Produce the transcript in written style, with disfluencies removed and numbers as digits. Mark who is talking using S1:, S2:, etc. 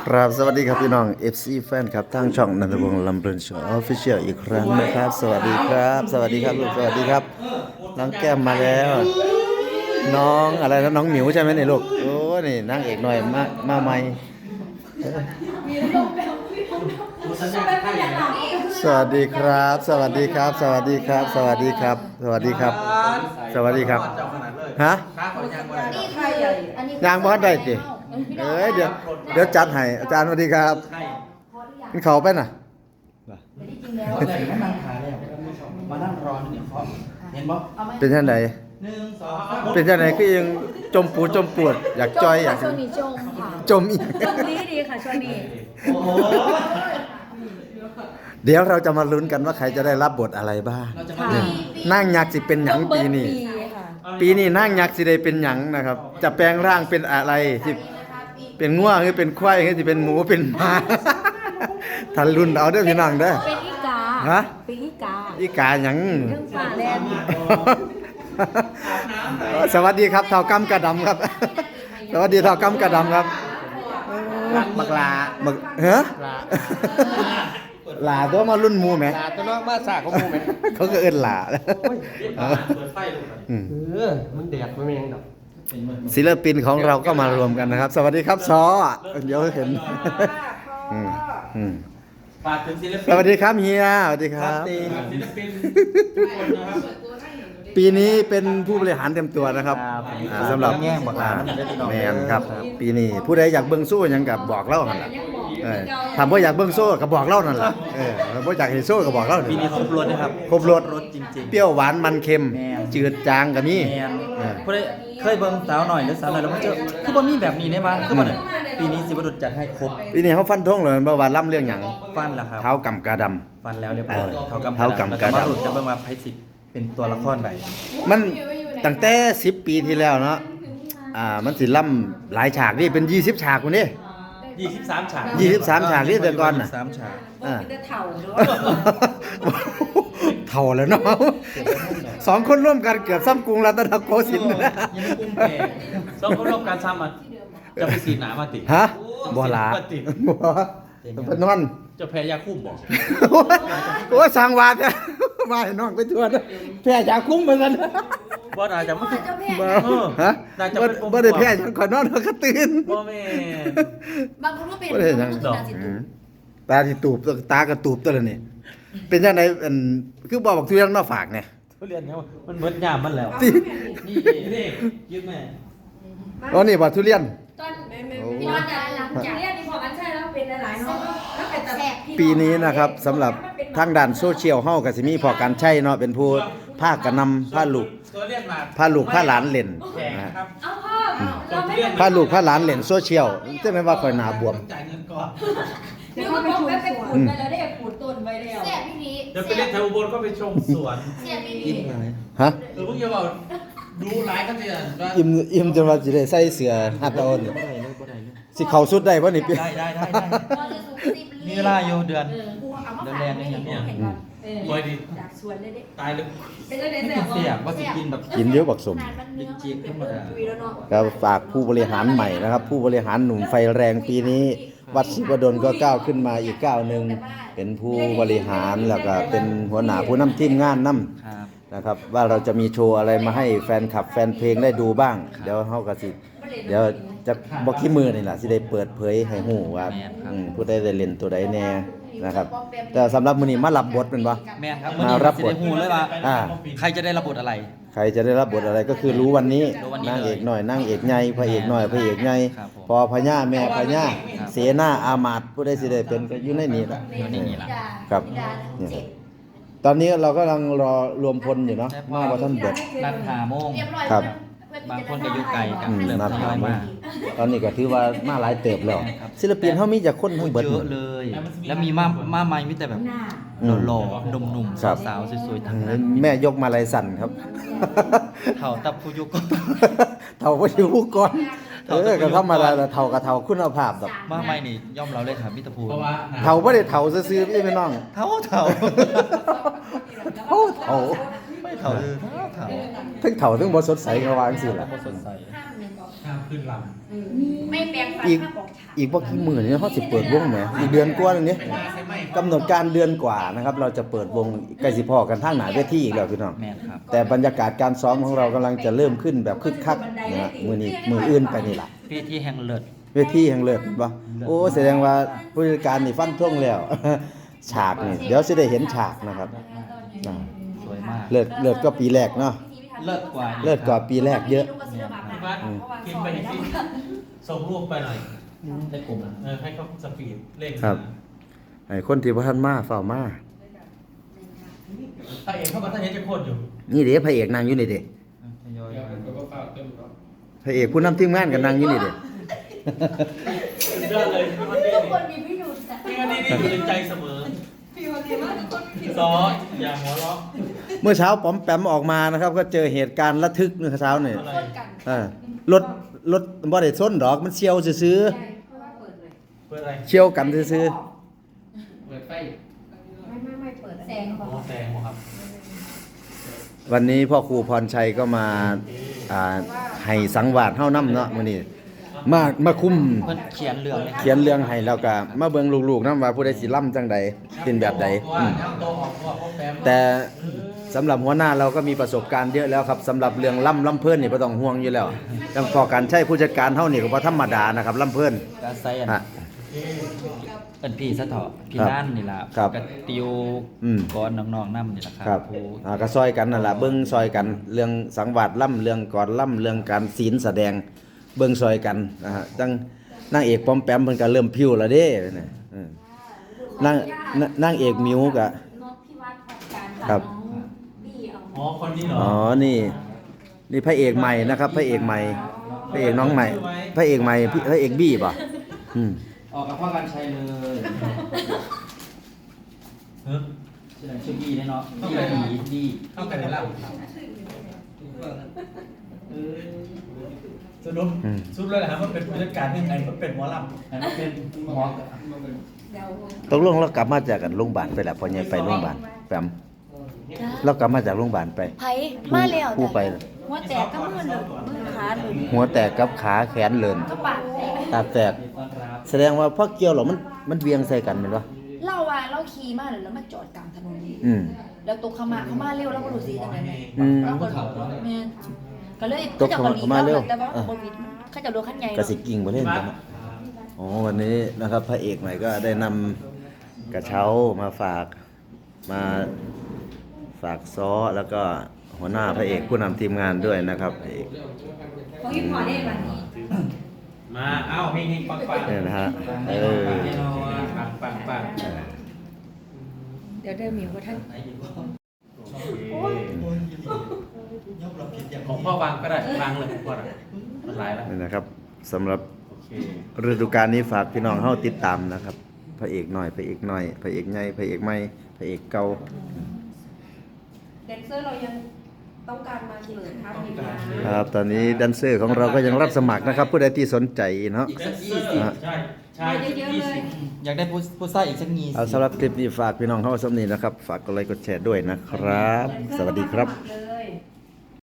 S1: ครับสวัสดีครับพี่น้อง FC แฟนครับทางช่องนันทวงศ์ลำเพลินโชว์ออฟฟิเชียลอีกครั้งนะครับสวัสดีครับสวัสดีครับลูกสวัสดีครับน้องแก้มมาแล้ว น้องอะไรนะน้องหมิวใช่ไหมเนี่ยลูกโอ้นี่นางเอกหน่อยมาใหม่สวัสดีครับ สวัสดีครับ สวัสดีครับ สวัสดีครับ สวัสดีครับ สวัสดีครับฮะยางบ้านได้จิเดี๋ยวจัดให้อาจารย์สวัสดีครับกินเขาไปน่ะ
S2: มานั่งรอเนี่ยเขาเห็นบ่
S1: เป็นท่านใด
S2: 1 2
S1: เป็นท่านใดก็ยังจมปวดอยากจอยอยาก
S3: ช่วงนี้จมค่ะ
S1: จมอีก
S3: จมดีค่ะช่วงนี้
S2: โอ้โห
S1: เดี๋ยวเราจะมาลุ้นกันว่าใครจะได้รับบทอะไรบ้าง
S2: เราจะมา
S3: ค่ะ
S1: นั่งยักษ์สิเป็นหยังปีนี้
S3: ค่ะ
S1: ปีนี้นั่งยักษ์สิได้เป็นหยังนะครับ จะแปลงร่างเป็นอะไรที่เป็นง่วงหรือเป็นควายหรือสิเป็นหมูเป็นหมาทันรุ่นเอาเด้อพี่น้องเด้อ
S3: เป็นอีกา
S1: ฮะ
S3: เป็นอีกา
S1: อีกาหยัง
S3: เรื่องป่าแลนด์
S1: สวัสดีครับเท่ากำกระดำครับ สวัสดีเท่ากำกระดำครับ
S2: บักลา
S1: บักเฮ้หลาตัวมารุ่นหมูไหม
S2: ลาตัวน้องมาสากของมูไหม
S1: เขาก็เอิ้นหลา
S2: เปิดไฟลง
S1: อืม
S2: มันแดดมันยังดอก
S1: ศิลปินของเราก็มารวมกันนะครับ สวัสดีครับซอเดี๋ยวเห็นอืมอืม
S2: ฝากถึงศิลปิน
S1: สวัสดีครับเฮียสวัสดีครับ
S2: ศิลปินทุกคนนะครับ
S1: ปีนี้เป็นผู้บริหารเต็มตัวนะครับสำหรับ
S2: แง่งบักลามันได้พี่น้อง
S1: แมนครับ ปีนี้ผู้ใดอยากเบิ่งโซ่หยังกับบอกเล่าหั่นล่ะถามว่าอยากเบิ่งโซ่ก็บอกเล่านั่นล่ะถ้าบ่อยากเห็นโซ่ก็บอกเล่า
S2: ปีนี้ครบรถนะครับ
S1: ครบรส
S2: รถจริงๆ
S1: เปรี้ยวหวานมันเค็ม
S2: แม่น
S1: จืดจางก็มี
S2: แมนผู้ใดเคยเบิ่งสาวหน่อยหรือสาวหน่อยแล้วมันจะคือบ่มีแบบนี้ได้มั้ยคือบ่เนี่ยปีนี้สิบดุจจัดให้ครบ
S1: ปีนี้เขาฟันธงเลยว่าล่ำเรื่องหยัง
S2: ฟันแล้วครับ
S1: เท้ากำกาดำ
S2: ฟันแล้วเรียบร้อย
S1: เท่ากำกระดำ
S2: แล้วมาหลุดจะเบิ่งว่าไผสิเป็นตัวละครใด
S1: มันตั้งแต่10 ปีที่แล้วเนาะมันสิล่ำหลายฉากนี่เป็น20ฉากคนนี้
S2: 23ฉาก
S1: 23ฉากนี่แต่ก่อนน่ะ
S2: 23ฉาก
S3: เป็นแต่เถ่าด้วย
S1: เท่าแล้วเนาะสองคนร่วมกันเกือบซ้ำกรุงรัตนโกสินทร์นะ
S2: ยังไม่กุ้มแก่สองคนร่วมการซ้ำอ่ะจะไปสีหนามาติ
S1: ฮะบ่หลา
S2: ติ
S1: บ่เป็นนอน
S2: จะแพ้ยาคุ้มบอก
S1: โอ้ยสร้างวาดเนี่ยมาให้น้องไปทั่วนะแพ้ยาคุ้มไปซั่น
S2: บ่น่าจะมันคือ
S1: บ่ฮะ
S2: น่าจะ
S1: บ่
S2: เป็น
S1: บ่ได้แพ้หยังขอนอนแล้วก็ตื่น
S2: บ่แม่น
S3: บางคนก็เป็น
S1: บ่ได้หยังตาที่ตูบตากระตูบตัวละนี่เป็นจังได๋คือบ่บอกทุเรื่องนอกฝากเนี่ย
S2: ทุเรียนเนี่ยมันเหมือนยามมันแล้ว
S1: ที่
S2: นี่นี่ยืมแม่
S1: อ๋อนี่บ่ทุเรียน
S3: ตอนตอนหลังจากเรียนนี่พอกันใช่แล้วเป็นหลายๆเนาะแล้วเป็นแต่
S1: ปีนี้นะครับสำหรับทางด้านโซเชียลเฮาก็สิมีพอการใช้เนาะเป็นผู้ภาคกระนำพาลูก
S2: ตัวเรียนมา
S1: พาลูกพาหลานเล่น
S2: แพง
S1: นะ
S2: ครับ
S3: เอาพ่อเราไม่
S1: พาลูกพาหลานเล่นโซเชียลจังได๋ว่าข่อยหน้าบวม
S2: จ่ายเงินก่อน
S3: เดี๋ยวมันต้องไปขูดไปแล้วได้ขูดต้นไปแล้ว
S4: เสียพี่พี
S2: เดี๋ยวไปเล่นแถวอุบลก็ไปชมสวน
S4: เสียพี่พี
S1: ฮะ
S2: เพิ่งจะบอกดูหลายกันเดือนว่า
S1: อิ่มจนว่าสิได้ใส่เสื้อฮัตตาโอนสิเข้าสุดได้บ่นี่พี่
S2: ได้
S4: เราจะสูงสิบ
S2: มีเวลาอยู่เดือนแรกนี่อย่างเนี้ย บอยดี
S3: จากสวนเลยเด็ก
S2: ตายเลย
S3: เป็นเลย
S2: ไม่
S3: แต่
S2: กินเสียบว่าสิกินแบบ
S1: กินเยอะบักสม
S2: จีบธรรมดา
S3: คุยแล้วเนาะ
S1: ก็ฝากผู้บริหารใหม่นะครับ ผู้บริหารหนุ่มไฟแรงปีนี้ วัดศิวดลก็ก้าวขึ้นมาอีกก้าวหนึงเป็นผู้บริหารแล้วก็เป็นหัวหน้าผู้นำทีมงานนำ
S2: ครับ
S1: นะครับว่าเราจะมีโชว์อะไรมาให้แฟนคลับแฟนเพลงได้ดูบ้าง เดี๋ยวเฮาก็สิเดี๋ยวจะบ่ขี้มือนี่ล่ะสิได้เปิดเผยให้ฮู้ว่าผู้ใดได้เล่นตัวใดแน่นะครับ แต่สำหรับมื้อนี้มารับบทเป็นบ่
S2: แม่ครับ
S1: มา
S2: วันนี้
S1: รั
S2: รั
S1: บบ ท
S2: จะได้หูเลยว่า
S1: อ่า
S2: ใครจะได้รับบทอะไร
S1: ใครจะได้รับบทอะไรก็คือรู้วันนี้
S2: รู้วันนี้
S1: นางเอก
S2: เลย
S1: หน่อยนางเอกใหญ่พระเอกหน่อยพระเอกใหญ่
S2: ครับผม
S1: พอพญาแม่พญา
S2: ครับ
S1: เสนาอามาตย์ผู้ใดสิได้เป็นก็อยู่ในนี้ล่ะ
S2: อยู่ในนี้ล่ะ
S1: ครับเนี่ยตอนนี้เรากำลังรอรวมพลอยู่เนาะมาว่าท่านบท
S2: นัดหาโมง
S4: เรียบร้อย
S1: ครับ
S2: บางคนก็อยู่ไกลกัน
S1: อืม
S2: เริ่ม
S1: นัด
S2: ทย
S1: หา
S2: อย
S1: มา
S2: มา
S1: ตอนนี้ก็ถือว่ามาหลายเติบแล้ว
S2: ครับ
S1: ศิลปินเฮามีจากคนทั้งเบิด
S2: เยอะเลย แล้วมีมาใหม่มีแต่แบบ
S1: อืม
S2: หล่อๆหนุ่ม
S1: ครับ
S2: ๆสาวๆสวยๆทั้งนั้น
S1: แม่ยกมาลายสั่นครับ
S2: เท่าตับผู้ยุก
S1: เท่าบ่อยู่ผู้ก่อนก็ธรรมดาละเท่ากับเท่าคุณภาพดอก
S2: มาใหม่นี่ย่อมเราเลยครับมิตรภูมิ
S1: เท่าบ่ได้เท่าซื่อๆพี่น้อง
S2: เท่า
S1: เท่า
S2: ไม่เท่าเลยเท่า
S1: ทั้งเท่าทั้งบ่สดใสก็ว่าจังซี่ล่ะ
S2: สดใส
S4: ห้ามหนึ่งก่อน
S2: ห้ามขึ้นล
S4: ไม่แปลงฟัน
S1: อีก
S4: ห้ามบอกฉา
S1: อีกบ่กี่มื้อนี้เฮาสิเปิดวงแหมอีกเดือนกว่านึงนี้กำหนดการเดือนกว่านะครับ เราจะเปิดวงใกล้สิพอกันทางหน้าเวทีอีกแล้วพี่น้อง
S2: แม่นครับ
S1: แต่บรรยากาศการซ้อมของเรากำลังจะเริ่มขึ้นแบบคึกคักนะฮะมื้อนี้มื้ออื่นไปนี่ล่ะ
S2: พี่ที่แห่งเลิศ
S1: เวทีแห่งเลิศบ่โอ้แสดงว่าผู้จัดการนี่ฟันธงแล้ว ฉากนี่เดี๋ยวสิได้เห็นฉากนะครับอ่า
S2: สวยมาก
S1: เลิศก็ปีแรกเนาะ
S2: เลิศกว่า
S1: เลิศกว่าปีแรกเยอะ
S3: บ้านกินไปที่ส่งรูปไปหน่อย
S2: ในกลุ่มนะ
S3: ให้เขาสปีดเร่ง
S1: ครับให้คนที่บ่ทันมาเฝ้ามา
S3: ถ้าเองเข้ามาถ้าเห็นจะโคตรอยู่
S1: นี่เด้พระเอกนั่งอยู่นี่เด้
S2: ทยอยมา
S1: พระเอกผู้นำทีมงานก็นั่งอยู่นี่เด้
S3: เดินเลยพี่วันนี้
S4: ทุกคนมีพิรุธจ้ะ
S3: พี่วันนี้อยู่ในใจเสมอซออย่าหัวเราะ
S1: เมื่อเช้าป๋อมแปมออกมานะครับ ก็เจอเหตุการณ์ระทึกเมื่อเช้านี่
S3: อะไร
S1: รถบ่ได้ส้นดอกมันเฉียวซื่อ
S3: เปิดอะไร
S1: ๆเฉียวกันซื่อ
S3: เปิดไฟ
S4: ไม่เปิดแสง
S3: โอ้แสงครับ
S1: ๆวันนี้พ่อครูพรชัยก็มาให้สังวาสเฮานำเนาะมื้อนี้มาคุม
S2: เพิ่นเขียนเรื่องเลย
S1: เขียนเรื่องให้แล้วก็มาเบิ่งลูกๆนำว่าผู้ใดสิล่ำจังใดเป็นแบบใด
S3: ว่าน้ำโตออกตัวพบแปม
S1: แต่สำหรับหัวหน้าเราก็มีประสบการณ์เยอะแล้วครับสำหรับเรื่องล่ำเพิ่นนี่บ่ต้องห่วงอยู่แล้วจังพอการใช้ผู้จัดการเฮานี่ก็บ่ธรรมดานะครับล่ำเพิ่น
S2: การใส่อัน
S1: ฮะ
S2: เป็นพี่ซะเถาะพี่
S1: ครับ
S2: ด้านนี่ล่ะ
S1: ครับ
S2: กับติว
S1: อืม
S2: ก่อนน้องๆนำนี่ล่ะค
S1: ครั
S2: รับ ผู้
S1: ก็ซอยกันนั่นล่ะเบิ่งซอยกันเรื่องสังวาสล่ำเรื่องก่อนล่ำเรื่องการศีลแสดงเบิ่งซอยกันนะฮะจังนางเอกปอมแปมเพิ่นก็เริ่มพิ้วแล้วเด้เนี่ยนางเอกมิวก็
S4: นกพิวัตรของการ
S1: ครับ
S4: น้องบี้เอา
S3: อ๋อคนนี้เหรอ
S1: อ๋อนี่พระเอกใหม่นะครับพระเอกใหม่พระเอกน้องใหม่พระเอกใหม่พระเอกบี้ป่ะอืม
S2: ออกกับพ่อกันชัยเลย
S3: เฮ้ย
S2: ชื่อบี้แน่เนาะบี้ดี
S3: เข้ากันในร่างสรุปสรุปเลยนะครับว่าเป็นผู้จัดการยังไงก็เป็นหมอลำ
S2: อันนั้นเป็นหมอ
S4: เดี๋ยว
S1: ตกลงเรากลับมาจากกันโรงพยาบาลไปแล้วพอใหญ่ไปโรงพยาบาลแปมเรากลับมาจากโรงพยาบาลไป
S4: ไผมาแล้ว
S1: ผู้ไป
S4: หัวแตกก็มือเลยมือขาเลย
S1: หัวแตกกับขาแขนเลิน
S4: ก็ปากแตก
S1: ตาแตก
S2: ต้อนรับ
S1: แสดงว่าพอเกี่ยวหรอมันเวียงใส่กันแม่นบ่
S4: เล่าว่าเราขี่มาแล้วมาจอดกลางถนน
S1: อืม
S4: แล้วตกเขามาเร็วแล้วก็รู้สิจังได๋
S1: อืม
S4: แล้วก็แม่นก็เลย
S1: ตกเขามาเร็ว
S4: แต่ว่าบ่วิดเขาจะโดนคันใหญ่
S1: กระสิกิ่งบ่เล่นกันเนาะอ๋อวันนี้นะครับพระเอกใหม่ก็ได้นำกระเช้ามาฝากซ้อแล้วก็หัวหน้าพระเอกผู้นำทีมงานด้วยนะครับพระเอก
S4: ของพี่พอได้บัดนี้
S3: มาเอ้าเฮงๆปังๆ
S1: เนี่ยนะฮะ
S3: ปัง
S4: เดี๋ยวเดินมีว่าท่าน
S3: ของพ่อวางก็ได้วางเลยพ่อมันหลายแล้ว
S1: นี่นะครับสำหรับ
S3: โอเค
S1: ฤดูกาลนี้ฝากพี่น้องเฮาติดตามนะครับพระเอกหน่อยพระเอกใหญ่พระเอกใหม่พระเอกเก่า
S5: แดนเซอร์เรายังต้องการมาเสนอท่านอยู่นะ
S1: ครับตอนนี้แดนเซอร์ของเราก็ยังรับสมัครนะครับ ผู้ใดที่สนใจเนาะ
S2: อีกสัก
S3: ใช่ใช่
S5: มาเยอะๆเลย
S2: 20อยากได้ผู้ใส่อีกสัก20
S1: เอาสำหรับคลิปนี้ฝากพี่น้องเฮาสำนี้นะครับ ฝากกดไลค์กดแชร์ด้วยนะครับ สวัสดีครับ
S5: เลย